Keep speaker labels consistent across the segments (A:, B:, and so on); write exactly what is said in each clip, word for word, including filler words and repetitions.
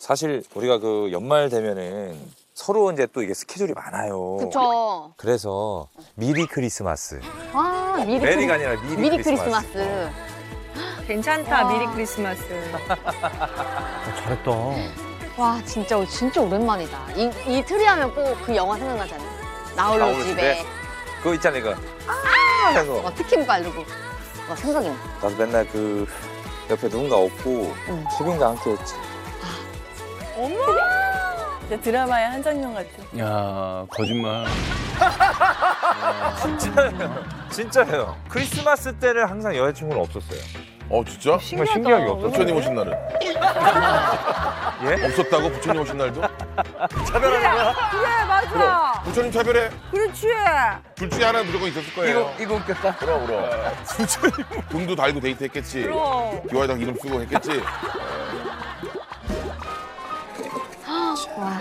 A: 사실 우리가 그 연말 되면은 서로 이제 또 이게 스케줄이 많아요.
B: 그쵸.
A: 그래서 미리 크리스마스.
B: 아, 미리,
A: 메리가
B: 크리...
A: 아니라 미리,
B: 미리
A: 크리스마스.
B: 크리스마스.
C: 괜찮다,
B: 와.
C: 미리 크리스마스.
D: 잘했다.
B: 와, 진짜, 진짜 오랜만이다. 이, 이 트리 하면 꼭 그 영화 생각나잖아. 나홀로
A: 나홀로
B: 집에.
A: 집에. 그거 있잖아, 이거. 아! 해서.
B: 막 티켓 바르고. 막 생각이 나.
A: 나도 맨날 그 옆에 누군가 없고
B: 응.
A: 수빈과 함께 했지.
C: 어머! 진짜 드라마의 한 장면 같아.
D: 야 거짓말.
A: 진짜예요. 진짜예요. 크리스마스 때를 항상 여자친구는 없었어요.
E: 어 진짜?
A: 정말 신기하게 없었어요.
E: 부처님 오신 날은?
A: 예?
E: 없었다고 부처님 오신 날도?
C: 그래, 맞아.
E: 부처님 차별해.
C: 그렇지.
E: 둘 중에 하나 무조건 있었을 거예요.
D: 이거 웃겼다.
E: 그럼 그럼. 등도 달고 데이트했겠지.
C: 그럼.
E: 기와에다 이름 쓰고 했겠지.
B: 와.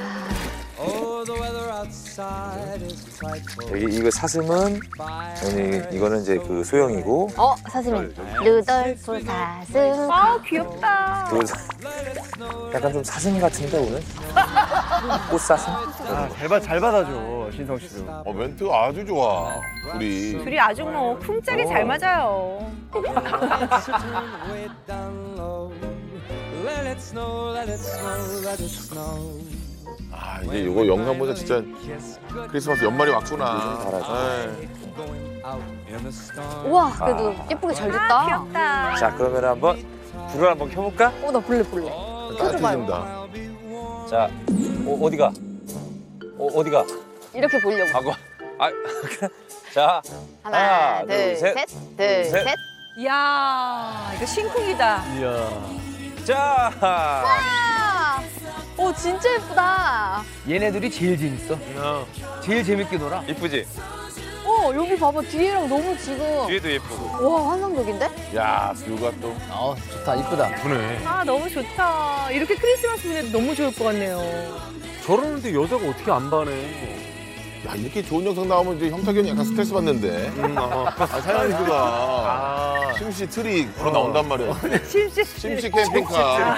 A: 여기 이거 사슴은 여기 이거는 이제 그 소영이고
B: 어, 사슴이. 루돌프 사슴.
C: 아, 귀엽다.
A: 그 사- 약간 좀 사슴 같은데 오늘 꽃사슴?
D: 아, 잘, 받, 잘 받아줘 신성 씨도.
E: 어 멘트가 아주 좋아. 우리.
C: 둘이 아주 뭐 쿵짝이 잘 맞아요.
E: 아 이제 이거 영상 보자 진짜 크리스마스 연말이 왔구나.
A: 요즘 잘하죠.
E: 아이,
B: 우와, 그래도 예쁘게 잘
C: 아,
B: 됐다.
C: 귀엽다.
A: 자 그러면 한번 불을 한번 켜볼까?
B: 어, 나 볼래, 볼래. 켜줘봐요.
E: 따뜻해진다.
A: 자 어, 어디가? 어, 어디가?
B: 이렇게 보려고.
A: 하고 아 자
B: 하나,
A: 하나,
B: 둘,
A: 둘, 셋.
B: 셋. 둘,
A: 셋.
B: 셋.
C: 이야, 이거 신쿵이다.
D: 이야.
A: 자.
B: 아! 오, 진짜 예쁘다.
D: 얘네들이 제일 재밌어. 제일 재밌게 놀아.
A: 이쁘지?
B: 어, 여기 봐봐. 뒤에랑 너무 지금.
A: 뒤에도 예쁘고.
B: 와, 환상적인데?
E: 야 뷰가 또.
D: 어 좋다 이쁘다.
E: 그네.
C: 아, 너무 좋다. 이렇게 크리스마스 보내도 너무 좋을 것 같네요.
F: 저러는데 여자가 어떻게 안 반해?
E: 야 이렇게 좋은 영상 나오면 이제 형탁이 약간 스트레스 받는데.
F: 음, 어.
E: 아 사장님들가
F: 아,
E: 심씨 트리 바로 나온단 말이야.
C: 심씨.
E: 심씨 캠핑카.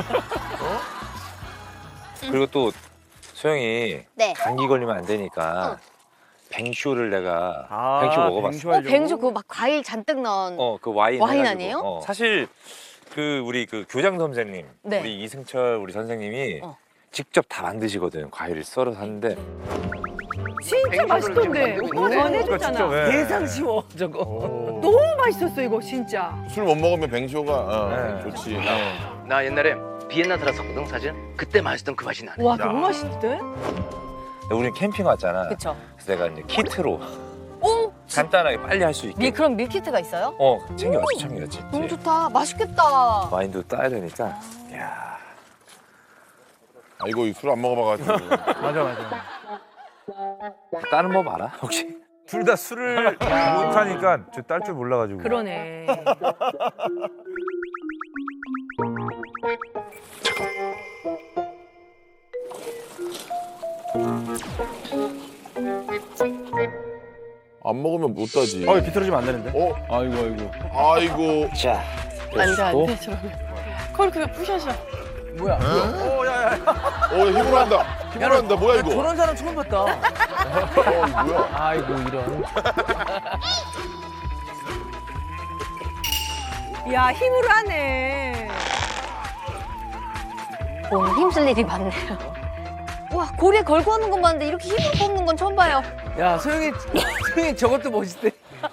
A: 그리고 또 소영이
B: 네.
A: 감기 걸리면 안 되니까
B: 어.
A: 뱅쇼를 내가
F: 아,
A: 뱅쇼 먹어봤어.
F: 뱅쇼
B: 어,
F: 하려고?
B: 뱅쇼 그거 막 과일 잔뜩 넣은.
A: 어, 그 와인.
B: 와인
A: 해가지고.
B: 아니에요?
A: 어. 사실 그 우리 그 교장 선생님,
B: 네.
A: 우리 이승철 우리 선생님이
B: 어.
A: 직접 다 만드시거든. 과일을 썰어서 하는데.
C: 진짜 맛있던데. 오빠 전해줬잖아.
A: 왜?
D: 예상 쉬워 저거.
F: 오.
C: 너무 맛있었어, 이거 진짜.
E: 술 못 먹으면 뱅쇼가 어,
A: 네.
E: 좋지.
G: 나 옛날에 비엔나 들었었거든 사실. 그때 마셨던 그 맛이 나네.
C: 와, 너무 맛있대.
A: 우리는 캠핑 왔잖아.
B: 그쵸.
A: 그래서 내가 이제 키트로
B: 오!
A: 간단하게 빨리 할 수 있게.
B: 밀, 그럼 밀키트가 있어요?
A: 어, 챙겨왔지, 챙겨왔지.
B: 너무
A: 뒤에.
B: 좋다. 맛있겠다.
A: 와인도 따야 되니까. 야.
E: 아 이거 술 안 먹어봐가지고.
D: 맞아 맞아.
A: 따는 법 알아? 혹시? 둘 다 술을 못하니까 저 딸 줄 몰라가지고.
C: 그러네.
E: 안 먹으면 못 따지.
D: 어 비틀어지면 안 되는데.
E: 어?
D: 아이고 아이고.
E: 아이고.
A: 자.
C: 안 돼, 안
A: 또?
C: 돼, 저러면. 그걸 그냥 부셔서.
D: 뭐야?
E: 어 힘으로 한다. 힘으로 한다. 뭐야 이거?
D: 저런 사람 처음 봤다.
E: 어 이거 뭐야?
D: 아이고 이런.
C: 야, 힘으로 하네.
B: 오늘 힘쓸 일이 많네요. 와, 고리에 걸고 하는 건 봤는데 이렇게 힘을 뽑는 건 처음 봐요.
D: 야 소영이 소영이 저것도 멋있대.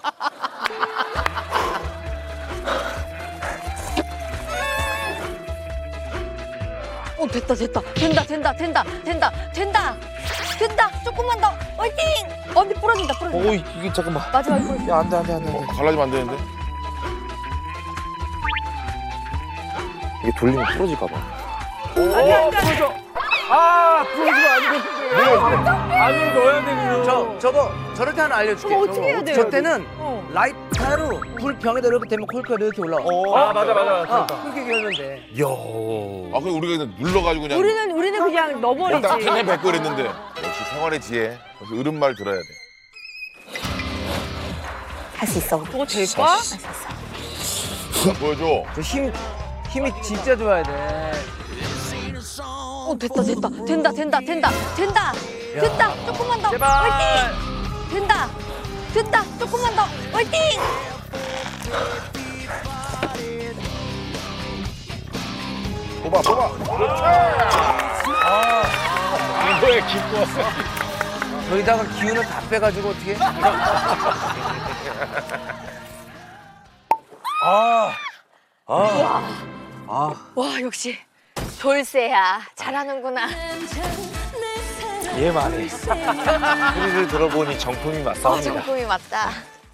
B: 어, 됐다, 됐다. 된다, 된다, 된다, 된다, 된다. 된다. 조금만 더. 화이팅! 어, 근데 부러진다, 부러진다.
A: 오, 이게 잠깐만.
B: 마지막에 부러진다.
A: 야, 안 돼, 안 돼, 안 돼. 안
E: 어,
A: 돼.
E: 갈라지면 안 되는데.
A: 이게 돌리면 부러질까 봐.
D: 아 부러지면 안 되는데. 안으로 넣어야 되거든. 저 저거 저럴 때 하나 알려줄게.
C: 저거 어떻게 해야 돼요,
D: 저 때는
C: 어.
D: 라이터로 불 병에다 이렇게 대면 콜크가 이렇게 올라와.
F: 아, 맞아, 맞아.
D: 어, 그렇게 열면 돼.
E: 아 그럼 우리가 그냥 눌러가지고 그냥.
C: 우리는, 우리는 그냥 넣어버리지.
E: 딱 캔에 뱉고 이랬는데. 역시 생활의 지혜. 역시 어른 말 들어야 돼.
B: 할 수 있어.
C: 그거 될까?
E: 보여줘.
D: 그 힘 힘이 진짜 좋아야 돼.
B: 어 됐다 됐다 된다 된다 된다 된다 된다 조금만 더
D: 제발.
B: 화이팅 된다 된다 조금만 더 화이팅
E: 뽑아 뽑아.
A: 이거에 기뻐.
D: 저기다가 기운을 다 빼가지고 어떻게?
B: 와 역시 돌쇠야 잘하는구나
A: 얘 말이. 소리를 들어보니 정품이
B: 어
A: 맞사옵니다.
B: 정품이 맞다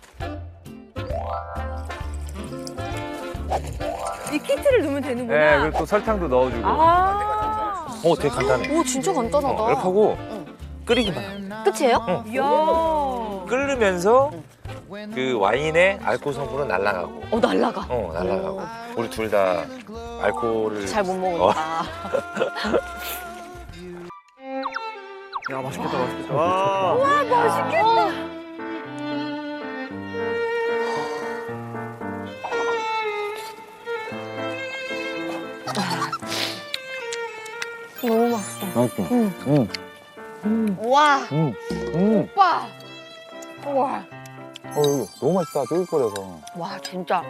C: 이 키트를 넣으면
A: 네,
C: 되는구나.
A: 그리고 또 설탕도 넣어주고.
C: 아.
A: 어, 되게 간단해.
B: 오 진짜 간단하다
A: 어, 이렇게 하고
B: 응.
A: 끓이기만 하면.
B: 끝이에요?
C: 이야.
A: 끓으면서 그 와인의 알코올 성분은 날아가고.
B: 어 날라가
A: 어, 날아가고. 우리 둘 다 알코올을
B: 잘 못 먹으니까
D: 야 맛있겠다 맛있겠다. 와.
B: 너무 맛있어
A: 맛있어.
B: 응.
A: 응.
B: 와
A: 응. 응.
B: 오빠 우와
A: 어, 이거 너무 맛있다. 쫄깃거려서.
B: 와 진짜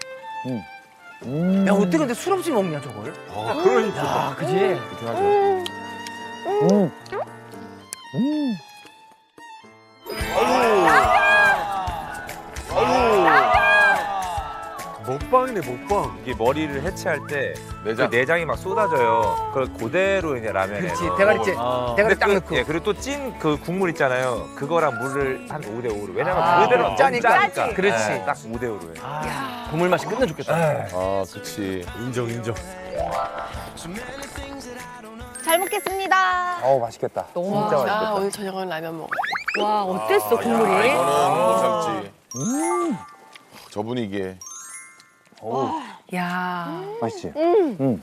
A: 음.
D: 야 어떻게 근데 술 없이 먹냐 저걸?
A: 아, 그러니까.
D: 야 그지?
A: 그렇게 하죠. 음. 음.
F: 먹방이네 먹방.
A: 이게 머리를 해체할 때
E: 내장.
A: 그 내장이 막 쏟아져요. 그걸 그대로 이제 라면에.
D: 그렇지
A: 넣어
D: 대가리째
A: 먹어요.
F: 아.
D: 대가리 딱
A: 그,
D: 넣고.
A: 예, 그리고 또 찐 그 국물 있잖아요. 그거랑 물을 한 오 대 오로. 왜냐면
D: 아,
A: 그대로
D: 그럼 짜니까.
A: 짜니까.
D: 그렇지.
A: 예, 딱 오 대 오로 해.
D: 아, 국물 맛이 끝내 좋겠다.
E: 아 그치.
F: 인정 인정.
B: 잘 먹겠습니다
A: 어우, 맛있겠다.
B: 너무
A: 진짜
B: 맛있다.
A: 맛있겠다.
C: 오늘 저녁은 라면 먹어. 와 어땠어
E: 아,
C: 국물이?
E: 이거는 못 참지. 저 분위기에.
A: 어우,
C: 야.
A: 맛있지?
B: 음.
A: 음.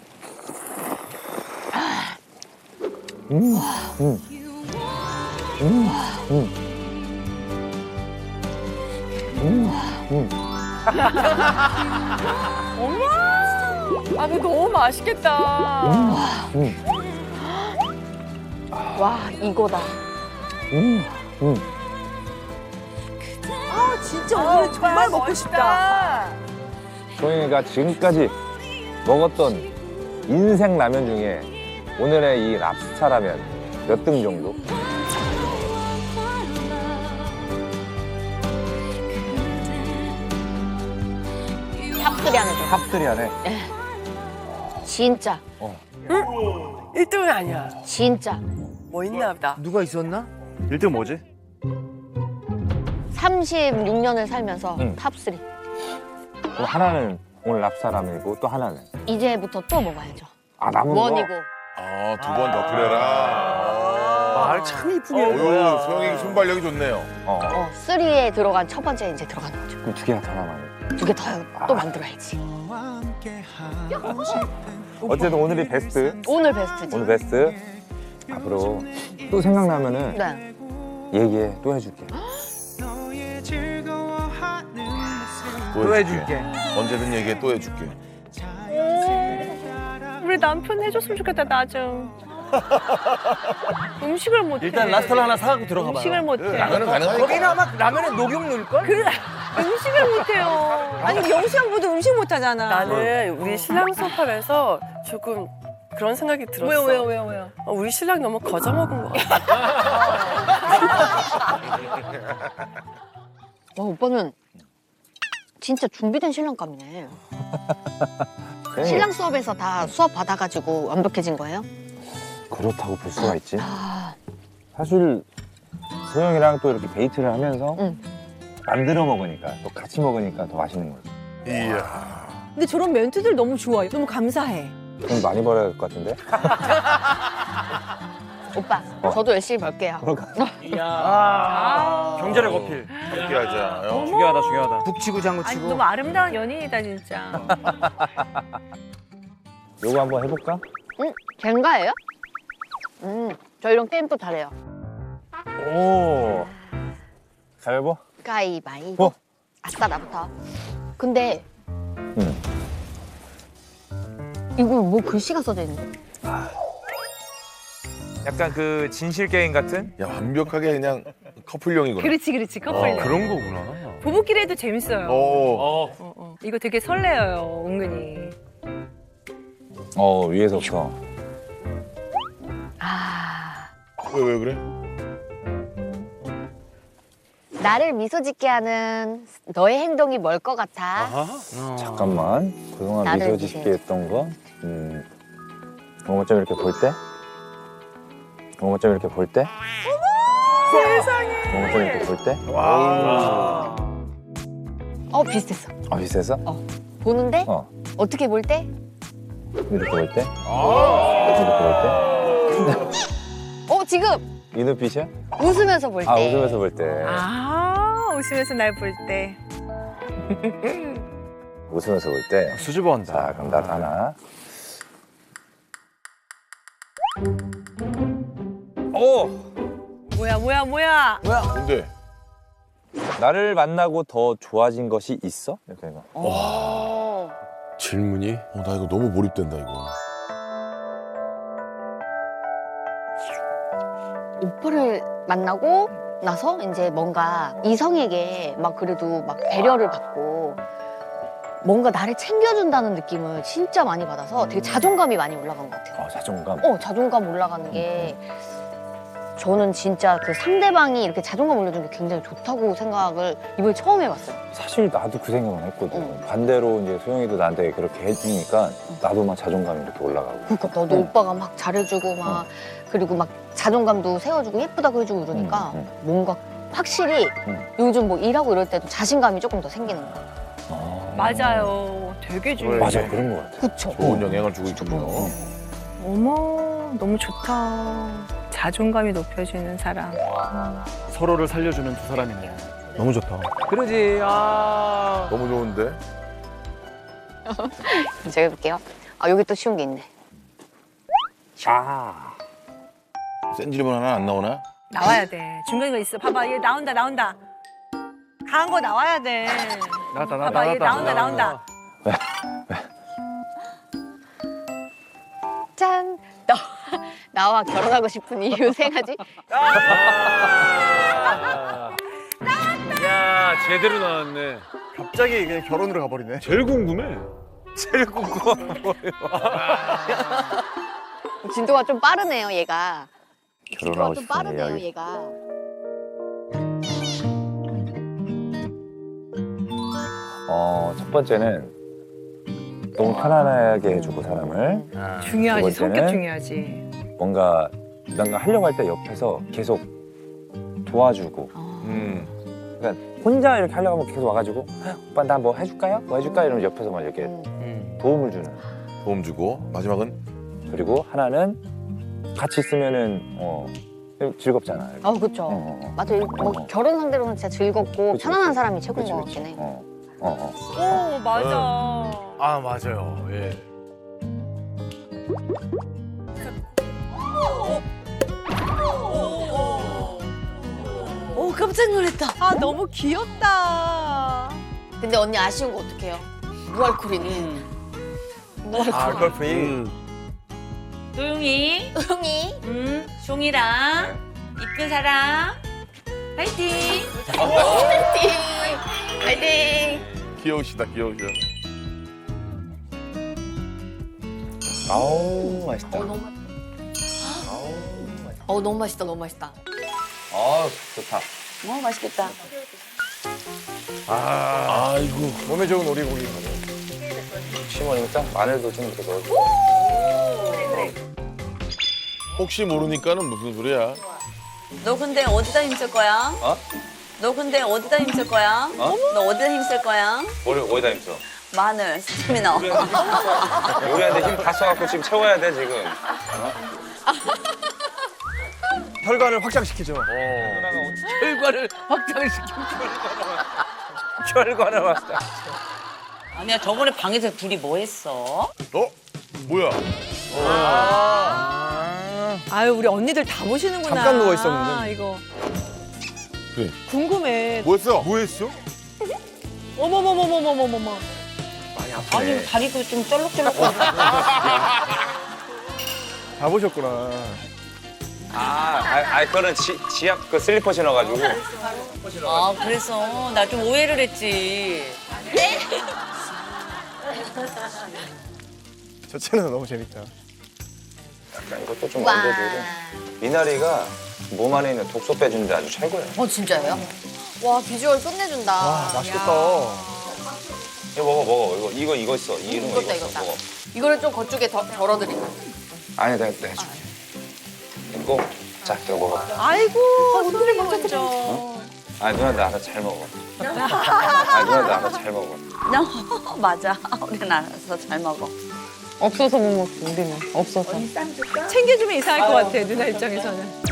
A: 음. 음. 음. 음. 음.
C: 아 이거 너무 맛있겠다.
A: 음.
B: 와 이거다
A: 음. 음.
C: 아 진짜 오늘 정말 먹고 싶다.
A: 소영이가 지금까지 먹었던 인생 라면 중에 오늘의 이 랍스타 라면 몇 등 정도?
B: 탑들이 안에 들어
A: 탑들이 안에.
B: 진짜
C: 일 등은 아니야.
B: 진짜
C: 뭐 있나 보다.
D: 누가 있었나?
F: 일 등 뭐지?
B: 삼십육 년을 살면서
A: 응.
B: 탑쓰리
A: 그럼 하나는 오늘 랍스타 라면이고 또 하나는?
B: 이제부터 또 먹어야죠
A: 아, 남은 거?
B: 원이고
E: 아 두 번 더 끓여라.
D: 말 참 이쁘게
E: 어,
D: 한 거야.
E: 요 소영이 순발력이 좋네요.
A: 어.
B: 어, 쓰리에 들어간 첫 번째 이제 들어가는 거죠
A: 그럼 두 개가 더 남았네.
B: 두 개 더 또 만들어야지
A: 어쨌든 오늘이 베스트.
B: 오늘 베스트지
A: 오늘 베스트. 앞으로 또 생각나면은
B: 네.
A: 얘기해. 또 해줄게.
D: 또 해줄게.
E: 언제든 얘기해 또 해줄게.
C: 우리 남편 해줬으면 좋겠다 나 좀. 음식을 못해.
F: 일단 라스타를 하나 사갖고 들어가 봐요.
C: 음식을 못해.
E: 라면은 가능하니까.
D: 거기는 아마 라면에 녹용 넣을걸?
C: 그래. 음식을 못해요. 아니 영수 형부도 음식 못하잖아. 나는 우리 신랑 수업하면서 조금 그런 생각이 들었어. 왜요 왜요 왜요 왜요? 어, 우리 신랑 너무 거저먹은 거 같아.
B: 와 오빠는 진짜 준비된 신랑감이네 신랑 수업에서 다 수업 받아가지고 완벽해진 거예요?
A: 그렇다고 볼 수가 있지.
B: 아,
A: 사실 소영이랑 또 이렇게 데이트를 하면서
B: 응.
A: 만들어 먹으니까 또 같이 먹으니까 더 맛있는 거지.
E: 이야.
H: 근데 저런 멘트들 너무 좋아. 너무 감사해.
A: 돈 많이 벌어야 될 것 같은데?
B: 오빠
A: 어.
B: 저도 열심히 벌게요
A: 그럴까?
F: 아. 경제력 어필.
E: 그렇게 하자. 어.
F: 중요하다 중요하다.
D: 북치고 장구치고.
C: 너무 아름다운 연인이다 진짜.
A: 요거 한번 해볼까?
B: 응? 젠가예요? 음, 저 이런 게임도 잘해요
A: 오. 가위바위보?
B: 가위바위보
A: 어?
B: 아싸 나부터 근데
A: 응.
B: 이거 뭐 글씨가 써져 있는데
A: 약간 그 진실 게임 같은?
E: 야 완벽하게 그냥 커플용이구나.
H: 그렇지, 그렇지. 커플.
F: 그런 거구나.
H: 부부끼리 해도 재밌어요.
E: 어.
H: 어, 어. 이거 되게 설레요, 은근히.
A: 어, 위에서부터.
B: 아,
E: 왜 왜 그래?
B: 나를 미소 짓게 하는 너의 행동이 뭘 것 같아?
A: 잠깐만. 그동안
B: 나를
A: 미소 짓게
B: 미소.
A: 했던 거. 음. 뭔가 좀 이렇게 볼 때? 뭔가 좀 이렇게 볼 때? 세상에. 뭔가 좀 이렇게 볼 때?
F: 와.
B: 어, 비슷했어.
A: 아, 비슷했어?
B: 보는데?
A: 어.
B: 어떻게 볼 때?
A: 이렇게 볼 때? 이렇게 볼 때?
B: 어, 지금
A: 이 눈빛이야?
B: 웃으면서 볼 때.
A: 아, 웃으면서 볼 때.
H: 아, 웃으면서 날 볼 때.
A: 웃으면서 볼 때.
F: 수줍어한다.
A: 자, 그럼 나도 하나. 오!
H: 뭐야, 뭐야, 뭐야.
E: 뭔데?
A: 나를 만나고 더 좋아진 것이 있어? 이렇게 해봐.
B: 어.
E: 질문이? 어, 나 이거 너무 몰입된다 이거.
B: 오빠를 만나고 나서 이제 뭔가 이성에게 막 그래도 막 배려를 받고 뭔가 나를 챙겨준다는 느낌을 진짜 많이 받아서 되게 자존감이 많이 올라간 것 같아요.
A: 어, 자존감.
B: 어, 자존감 올라가는 게 저는 진짜 그 상대방이 이렇게 자존감 올려주는 게 굉장히 좋다고 생각을 이번에 처음 해봤어요.
A: 사실 나도 그 생각은 했거든.
B: 응.
A: 반대로 이제 소영이도 나한테 그렇게 해주니까 나도 막 자존감이 이렇게 올라가고.
B: 그러니까 너도
A: 응.
B: 오빠가 막 잘해주고 막 그리고 막 자존감도 세워주고 예쁘다고 해주고 이러니까
A: 응,
B: 뭔가 확실히
A: 응.
B: 요즘 뭐 일하고 이럴 때도 자신감이 조금 더 생기는 거야.
A: 아.
H: 맞아요. 되게 중요해.
A: 맞아, 그런 것 같아.
B: 그쵸?
E: 좋은 영향을 주고 있군요.
H: 어머, 너무 좋다. 자존감이 높여주는 사람.
F: 서로를 살려주는 두 사람이네. 너무 좋다.
D: 그러지. 아.
E: 너무 좋은데?
B: 제가 해볼게요. 아, 여기 또 쉬운 게 있네.
A: 아.
E: 센 질문 하나 안 나오나?
H: 나와야 돼. 중간에 거 있어. 봐봐, 얘 나온다, 나온다. 강한 거 나와야 돼.
F: 나왔다, 나왔다,
H: 봐봐, 얘
F: 나왔다.
H: 나온다, 나온다.
B: 짠! 나, 나와 결혼하고 싶은 이유 세 가지?
F: 야, 제대로 나왔네. 갑자기 그냥 결혼으로 가버리네. 제일 궁금해. 제일 궁금한 거예요.
B: 진도가 좀 빠르네요, 얘가.
A: 결혼하고
B: 진도가 좀
A: 싶은
B: 빠르네요,
A: 이야기.
B: 얘가.
A: 어, 첫 번째는 너무 편안하게 해주고 사람을
H: 중요하지,
A: 두 번째는
H: 성격 중요하지.
A: 뭔가 뭔가 하려고 할 때 옆에서 계속 도와주고.
E: 음.
A: 그러니까 혼자 이렇게 하려고 하면 계속 와가지고 오빠 나 뭐 해줄까요? 뭐 해줄까? 이러면 옆에서 막 이렇게
B: 음.
A: 도움을 주는.
E: 도움 주고 마지막은
A: 그리고 하나는 같이 있으면은 어 즐겁잖아. 이렇게.
B: 아, 그쵸.
A: 어, 어.
B: 맞아. 뭐
A: 어.
B: 결혼 상대로는 진짜 즐겁고
A: 그치,
B: 편안한
A: 그치.
B: 사람이 최고인
A: 그치,
B: 것
A: 그치.
B: 같긴 해.
A: 어, 어, 어.
H: 오, 맞아.
F: 아, 맞아요. 예.
B: 오, 깜짝 놀랐다.
H: 아, 너무 귀엽다.
B: 근데 언니 아쉬운 거 어떡해요? 무알콜이는. 무알콜.
F: 아, 골프이.
E: 음.
I: 도용이,
B: 형이.
I: 음, 종이랑 이쁜 사람, 파이팅!
B: 파이팅! 파이팅!
E: 귀여우시다 귀여우셔.
A: 아우 맛있다.
B: 어, 너무 맛있다. 어, 너무 맛있다, 너무 맛있다.
A: 아 좋다.
B: 너무 맛있겠다.
E: 아, 아이고.
F: 몸에 좋은 오리고기.
A: 시머니까 마늘도 좀 이렇게 넣어줘.
E: 혹시 모르니까는 무슨 소리야?
I: 너 근데 어디다 힘쓸 거야?
A: 어?
I: 너 근데 어디다 힘쓸 거야?
A: 어?
I: 너 어디다 힘쓸 거야?
A: 머리 어디다 힘써?
I: 마늘, 스테미너.
A: 요리하는데 힘 다 써갖고 지금 채워야 돼 지금.
F: 혈관을 확장시키죠.
D: 결과를 확장시켜.
A: 결과를 왔다.
I: 아니야, 저번에 방에서 둘이 뭐 했어?
E: 어? 뭐야?
H: 아유, 우리 언니들 다 보시는구나.
F: 잠깐 누워 있었는데.
H: 아, 이거.
E: 그래.
H: 궁금해.
E: 뭐했어?
F: 뭐 했어?
H: 어머머머머머머머머.
F: 많이 아프네.
I: 아니, 다리도 좀 쩔룩쩔룩.
F: 다 보셨구나.
A: 아, 아, 아 그거는 지, 지압 그 슬리퍼 신어가지고.
I: 아 그래서 나 좀 오해를 했지.
D: 저 채널 너무 재밌다.
A: 약간 이것도 좀
B: 와.
A: 얹어주고. 미나리가 몸 안에 있는 독소 빼주는데 아주 최고예요.
B: 어 진짜예요? 와 비주얼 끝내준다.
D: 와, 맛있겠다.
A: 이거 먹어 먹어. 이거 이거 이거 있어. 이런 거
B: 익었다
A: 이거 있어.
B: 익었다.
A: 먹어.
B: 이거를 좀 거쪽에 덜, 덜어드릴까?
A: 아니 내가 내가 해줄게. 이거 자 이거 먹어.
H: 아이고 손이 먼저.
A: 아 누나도 알아 잘 먹어. 아 누나도 알아 잘 먹어.
I: 맞아. 우리는 알아서 잘 먹어.
B: 없어서 못 먹지 우리는. 없어서.
H: 챙겨주면 이상할 것 같아 누나 입장에서는.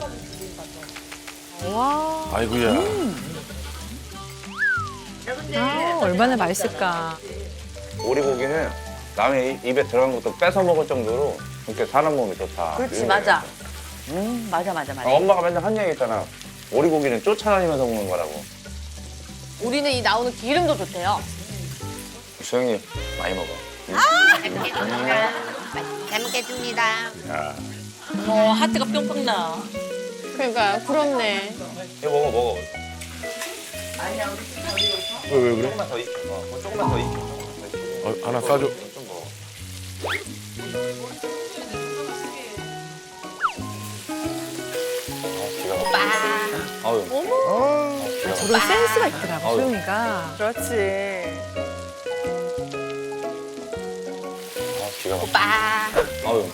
H: 와.
E: 아이고야.
H: 아, 얼마나 맛있을까.
A: 오리고기는 남의 이- 입에 들어간 것도 뺏어 먹을 정도로 이렇게 사람 몸이 좋다.
I: 그렇지
A: 이런
I: 맞아.
A: 거예요.
I: 음 맞아 맞아 맞아.
A: 아, 엄마가 맨날 한 얘기 있잖아. 오리고기는 쫓아다니면서 먹는 거라고.
B: 우리는 이 나오는 기름도 좋대요.
A: 수영이 많이 먹어.
B: 잘 먹겠습니다. 잘 먹겠습니다.
A: 야,
I: 어 하트가 뿅뿅 나.
B: 그러니까 부럽네.
A: 이거 먹어 먹어.
E: 왜, 왜 그래?
A: 조금만 더 익. 어, 그거 조금만 더 익.
E: 어, 하나 싸줘.
A: 좀 먹어. 아, 기가 막혀. 아유.
H: 어머.
A: 아, 기가 막혀.
H: 저런 센스가 있더라고
A: 아유.
H: 소영이가.
C: 그렇지.
A: 아, 기가 막혀.
B: 빠.
A: 아유.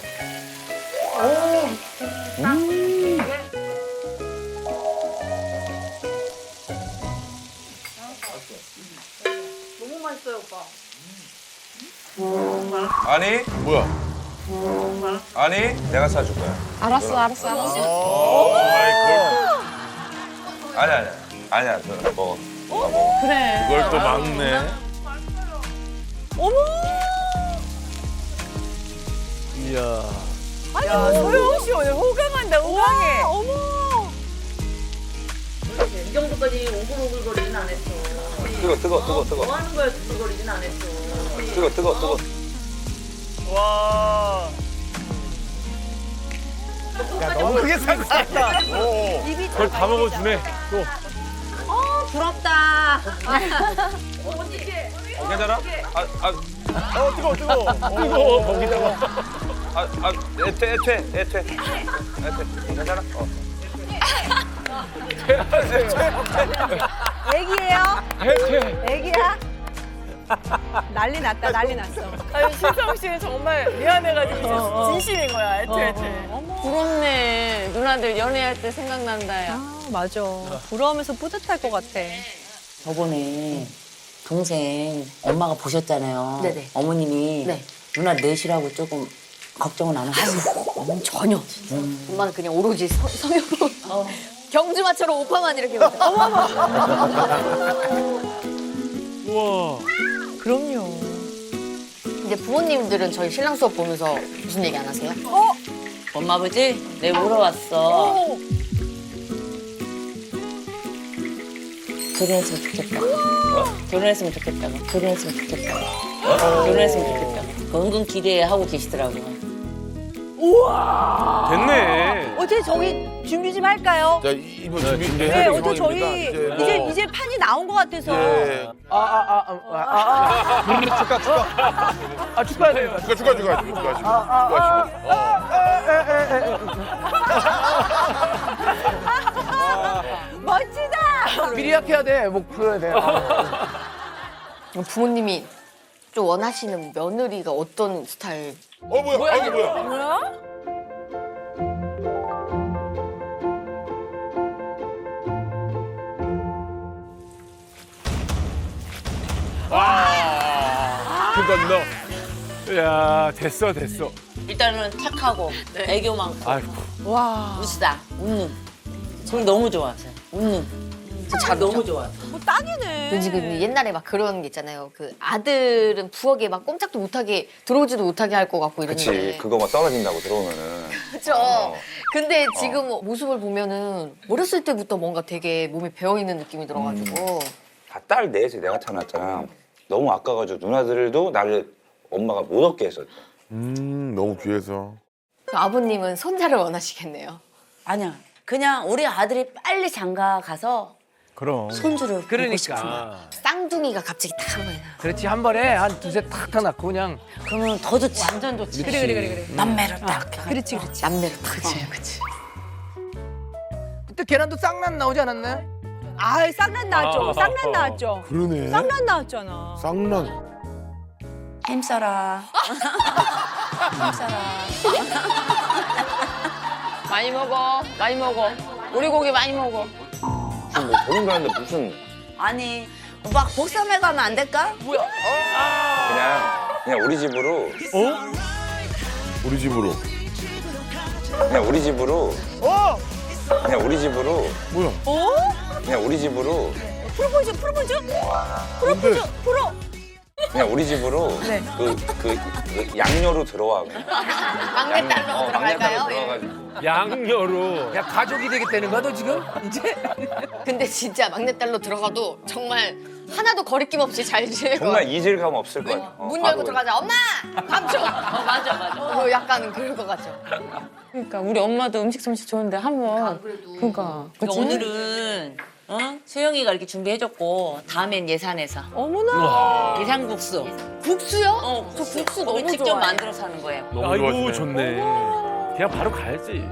A: 아니,
E: 뭐야?
A: 아니, 내가 사줄 거야.
B: 알았어 알았어 알았어.
A: 아니, 아니, 아니야, 누나 먹어. 누나 먹어.
H: 그래.
E: 그걸 또 막네.
D: 이야.
C: 야 소영 씨 오늘 호강한다 호강해.
I: 이 정도까지 오글오글거리진 않았어.
A: 뜨거, 뜨거, 뜨거, 뜨거.
I: 뭐 하는 거야 오글거리진 않았어.
A: 뜨거, 뜨거, 뜨거.
D: 와. 야, 너무 크게 상상했다.
F: 그걸 다 먹어주네. 또.
I: 부럽다.
A: 어, 괜찮아? 아, 아,
D: 어, 뜨거워, 뜨거워.
F: 뜨거워 거기다가.
A: 아, 아, 애퇴, 애퇴, 애퇴. 애퇴. 괜찮아? 어.
H: 애기예요?
F: 해체.
H: 애기야? 난리 났다 난리 났어.
C: 아니 신성 씨는 정말 미안해가지고 진짜 진심인 거야. 애태 애태.
B: 부럽네. 누나들 연애할 때 생각난다 야.
H: 아 맞아. 부러우면서 뿌듯할 것 같아.
I: 저번에 동생 엄마가 보셨잖아요.
B: 네네.
I: 어머님이
B: 네.
I: 누나 넷이라고 조금 걱정은 안 하셨어요.
B: 어머니 전혀. 엄마는 그냥 오로지 서, 성형으로. 경주마처럼 오빠만 이렇게. 어머머.
F: 우와.
H: 그럼요.
B: 이제 부모님들은 저희 신랑 수업 보면서 무슨 얘기 안 하세요?
I: 엄마 아버지 내 물어왔어. 결혼했으면 좋겠다. 결혼했으면 좋겠다고. 결혼했으면 좋겠다고. 결혼했으면 좋겠다고. 그 은근 기대하고 계시더라고요.
F: 됐네.
H: 어제 저기 준비 좀 할까요?
E: 자, 이- 이번
F: 네,
E: 준비
F: 준비.
E: 해야
H: 네,
E: 될
H: 어제 저희
E: 상황입니다.
H: 이제
E: 뭐,
H: 이제 판이 나온 것 같아서.
E: 예.
D: 아, 아, 아, 아, 아, 아, 아. 축하, 축하. 아, 축하해야 돼요.
E: 축하, 축하, 축하, 축하, 축하.
H: 멋지다.
D: 미리 약해야 돼. 뭐, 그래야 돼. 아.
B: 부모님이 좀 원하시는 며느리가 어떤 스타일?
E: 어, 뭐야? 아, 이게 뭐야?
C: 뭐야?
F: 그러니까 너. 야 됐어 됐어.
I: 일단은 착하고 애교 많고
F: 아이고.
H: 와.
I: 웃다 웃는. 저는 너무 좋아하세요. 웃는. 잘 너무 좋아.
H: 뭐 딱이네.
B: 왠지 그 옛날에 막 그런 게 있잖아요. 그 아들은 부엌에 막 꼼짝도 못하게 들어오지도 못하게 할 것 같고 이러는데.
A: 그치. 그거 막 떨어진다고 들어오면은.
B: 그렇죠.
A: 어.
B: 근데 지금 모습을 보면은 어렸을 때부터 뭔가 되게 몸에 배어 있는 느낌이 들어가지고.
A: 다 딸 넷이 내가 태어났잖아. 너무 아까워가지고 누나들도 나를 엄마가 못 얻게 했었죠.
E: 음, 너무 귀해서.
B: 그 아버님은 손자를 원하시겠네요.
I: 아니야. 그냥 우리 아들이 빨리 장가 가서
D: 그럼.
I: 손주를 보고
C: 그러니까.
I: 싶어.
B: 쌍둥이가 갑자기 딱 한 번에 나.
C: 그렇지 한 번에 한 두세 탁탁 낳고 그냥
I: 그러면 더 좋지. 완전 좋지.
H: 그래 그래 그래 그래.
I: 남매를 딱.
H: 그렇지 그렇지.
B: 남매를 딱. 그치, 그치.
C: 그때 계란도 쌍난 나오지 않았나요?
H: 아 쌍난 나왔죠.
F: 아.
H: 쌍난 나왔죠.
E: 그러네.
H: 쌍난 나왔잖아.
E: 쌍난.
I: 힘써라. 힘써라.
B: 많이 먹어. 많이 먹어. 우리 고기 많이 먹어.
A: 무슨 뭐 결혼 가는데 무슨
I: 아니 막 복삼회 가면 안 될까?
A: 그냥 그냥 우리 집으로
E: 우리 집으로.
A: 그냥 우리 집으로 그냥 우리 집으로
E: 뭐야?
A: 그냥 우리 집으로
H: 프로포즈 프로포즈
E: 근데
H: 프로.
A: 그냥 우리 집으로 그, 그, 그 양녀로 들어와. 그냥.
B: 막내딸로
A: 어,
B: 들어갈까요?
A: 막내딸로 들어가가지고.
F: 양녀로.
C: 야 가족이 되겠다는 거야 너 지금? 이제?
B: 근데 진짜 막내딸로 들어가도 정말 하나도 거리낌 없이 잘 지내고.
A: 정말 이질감 없을 거야. 어,
B: 문
A: 바로
B: 열고 들어가자. 엄마! 밥 줘!
I: 어, 맞아 맞아.
B: 어, 약간 그럴 것 같죠.
I: 그러니까 우리 엄마도 음식 솜씨 좋은데 한번. 그러니까. 그러니까 오늘은 어? 수영이가 이렇게 준비해줬고 다음엔 예산에서
H: 어머나.
I: 예산국수.
B: 국수요?
I: 어,
B: 저 국수 너무
I: 우리 직접
B: 좋아해.
I: 만들어서 하는 거예요.
E: 너무
F: 아이고
E: 좋아하시네.
F: 좋네. 그냥 바로 가야지.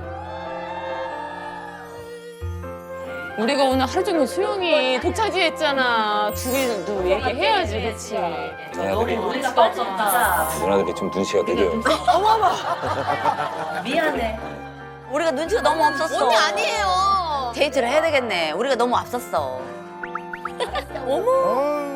I: 우리가 오늘 하루 종일 수영이 독차지했잖아. 둘이도 얘기해야지, 그렇지?
A: 누나들이,
I: 우리가 빠졌다.
A: 누나들이 좀 눈치가 느려요.
I: 미안해. 우리가 눈치가 너무 없었어.
B: 언니 아니에요.
I: 데이트를 해야 되겠네. 우리가 너무 앞섰어.
E: 아,